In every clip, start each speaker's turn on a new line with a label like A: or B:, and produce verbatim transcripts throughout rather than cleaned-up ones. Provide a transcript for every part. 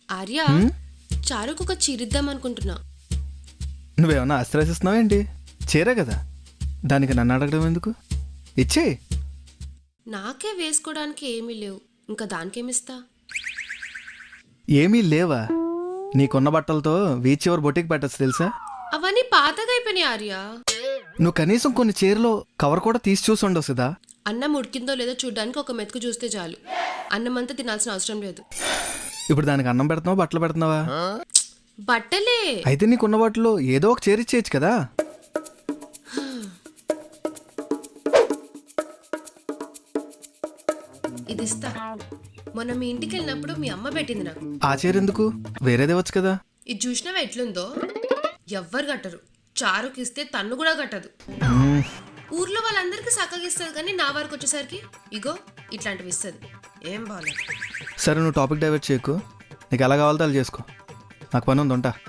A: ఆర్య చారుకు ఒక చీరిద్దాం అనుకుంటున్నా.
B: నువ్వేమన్నా ఆశ్రయిస్తున్నావు ఏంటి? చీరే కదా, దానికి నన్ను అడగడం ఎందుకు? ఇచ్చే.
A: నాకే వేసుకోవడానికి ఏమీ లేవు, ఇంకా దానికేమిస్తా?
B: ఏమీ లేవా? నీకున్న బట్టలతో వీచ్ చివరి బొటికి పెట్టచ్చు తెలుసా?
A: అవన్నీ పాతగా అయిపోయినాయి ఆర్య.
B: నువ్వు కనీసం కొన్ని చీరలో కవర్ కూడా తీసి చూసి ఉండవు కదా.
A: అన్నం ఉడికిందో లేదో చూడడానికి ఒక మెతుకు చూస్తే చాలు, అన్నం అంతా తినాల్సిన అవసరం లేదు.
B: ఇప్పుడు దానికి అన్నం పెడుతున్నావా బట్టలు పెడుతున్నావా?
A: బట్టలే.
B: అయితే నీకున్న బట్టలు ఏదో ఒక చీర ఇచ్చేయచ్చు కదా.
A: ఇది ఇస్తా. మొన్న మీ ఇంటికి వెళ్ళినప్పుడు మీ అమ్మ పెట్టింది నాకు.
B: ఆ చీర ఎందుకు? వేరేదేవచ్చు కదా.
A: ఇది చూసినావా ఎట్లుందో? ఎవ్వరు కట్టరు. చారుకి ఇస్తే తన్ను కూడా కట్టదు. ఊర్లో వాళ్ళందరికీ చక్కగా ఇస్తుంది, కానీ నా వరకు వచ్చేసరికి ఇగో ఇట్లాంటివి ఇస్తుంది. ఏం బాగాలేదు.
B: సరే, నువ్వు టాపిక్ డైవర్ట్ చేయకు. నీకు ఎలా కావాలో అలా చేసుకో. నాకు పని ఉంది, ఉంటా.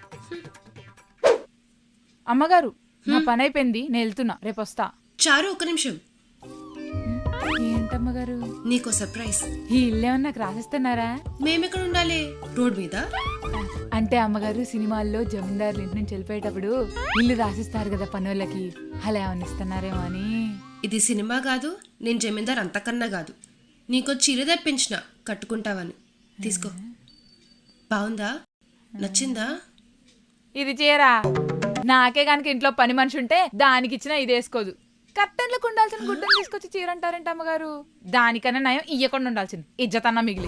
C: అమ్మగారు, నా పని అయిపోయింది, నేను వెళ్తున్నా, రేపు వస్తా.
A: చారు ఒక్క నిమిషం.
C: ఏంటమ్మగారు?
A: నీకో సర్ప్రైజ్.
C: ఈ ఇల్లు ఏమన్నా నాకు రాసిస్తున్నారా?
A: మేమెక్కడ ఉండాలి? రోడ్ మీద?
C: అంటే అమ్మగారు, సినిమాల్లో జమీందారులు ఇంటి నుంచి వెళ్ళిపోయేటప్పుడు ఇల్లు రాసిస్తారు కదా పనులకి, అలా ఏమన్నా ఇస్తున్నారేమో అని.
A: ఇది సినిమా కాదు, నేను జమీందార్ అంతకన్నా కాదు. నీకో చీర తెప్పించిన, కట్టుకుంటావని. తీసుకో. బాగుందా? నచ్చిందా?
C: ఇది చీరా నాకే కనుక ఇంట్లో పని మనిషి ఉంటే దానికి ఇచ్చినా ఇది వేసుకోదు. కట్టెన్లకు ఉండాల్సిన గుడ్డను తీసుకొచ్చి చీర అంటారంట అమ్మగారు. దానికన్నా నయం ఇయ్యకుండా ఉండాల్సింది, ఇజ్జతన్నా మిగిలి.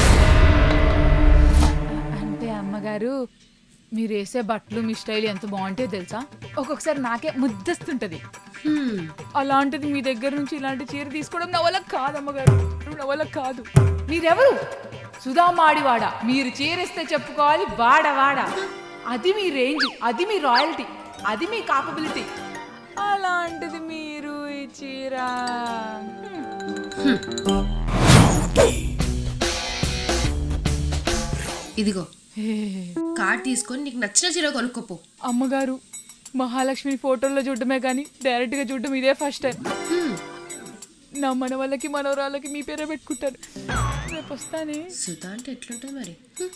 C: అంటే అమ్మగారు, మీరు వేసే బట్టలు మీ స్టైల్ ఎంత బాగుంటే తెలుసా? ఒక్కొక్కసారి నాకే ముద్దస్తుంటది. అలాంటిది మీ దగ్గర నుంచి ఇలాంటి చీర తీసుకోవడం నా వల్ల కాదు అమ్మగారు, నా వల్ల కాదు. మీరెవరు? సుధా మాడివాడ. మీరు చీరేస్తే చెప్పుకోవాలి వాడ వాడ. అది మీ రేంజ్, అది మీ రాయల్టీ, అది మీ కాపబిలిటీ. అలాంటిది మీరు ఈ చీర.
A: ఇదిగో కార్డ్ తీసుకొని నీకు నచ్చిన చీర కొనుక్కోపో.
C: అమ్మగారు, మహాలక్ష్మి ఫోటోల్లో చూడటమే కానీ డైరెక్ట్ గా చూడటం ఇదే ఫస్ట్ టైం. నా మన వాళ్ళకి మనవరాళ్ళకి మీ పేరే పెట్టుకుంటారు. రేపు వస్తానే.
A: సుధా అంటే ఎట్లుంటుంది మరి?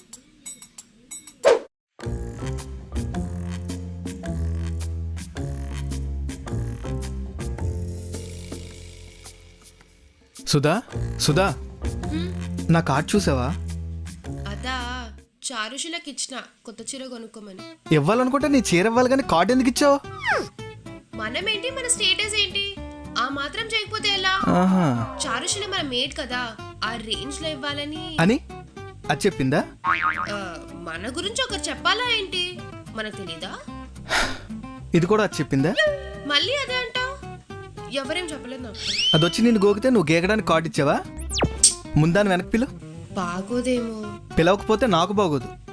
B: సుధా, సుధా, నా కార్డ్ చూసావా?
A: అదా, చారుషులకి ఇచ్చిన కొత్త చీర కొనుక్కోమని.
B: ఇవ్వాలనుకుంటే నీ చీర ఇవ్వాలి, కానీ కార్డు ఎందుకు ఇచ్చావు?
A: మనమేంటి, మన స్టేటస్ ఏంటి? ఆ మాత్రం చేయకపోతే ఎలా? చారుషుల మన మేడ్ కదా, ఆ రేంజ్ లో ఇవ్వాలని
B: అని అది చెప్పిందా?
A: మన గురించి ఒకరు చెప్పాలా ఏంటి? మనకు తెలీదా?
B: ఇది కూడా అది చెప్పిందా?
A: మళ్ళీ అదే అంటావు? ఎవరేం చెప్పలేదు నాకు.
B: అది వచ్చి నేను గోకితే నువ్వు గేకడానికి కార్డు ఇచ్చావా? ముందాన్ని వెనక్కి పిలు.
A: బాగోదేమో.
B: పిలవకపోతే నాకు బాగోదు.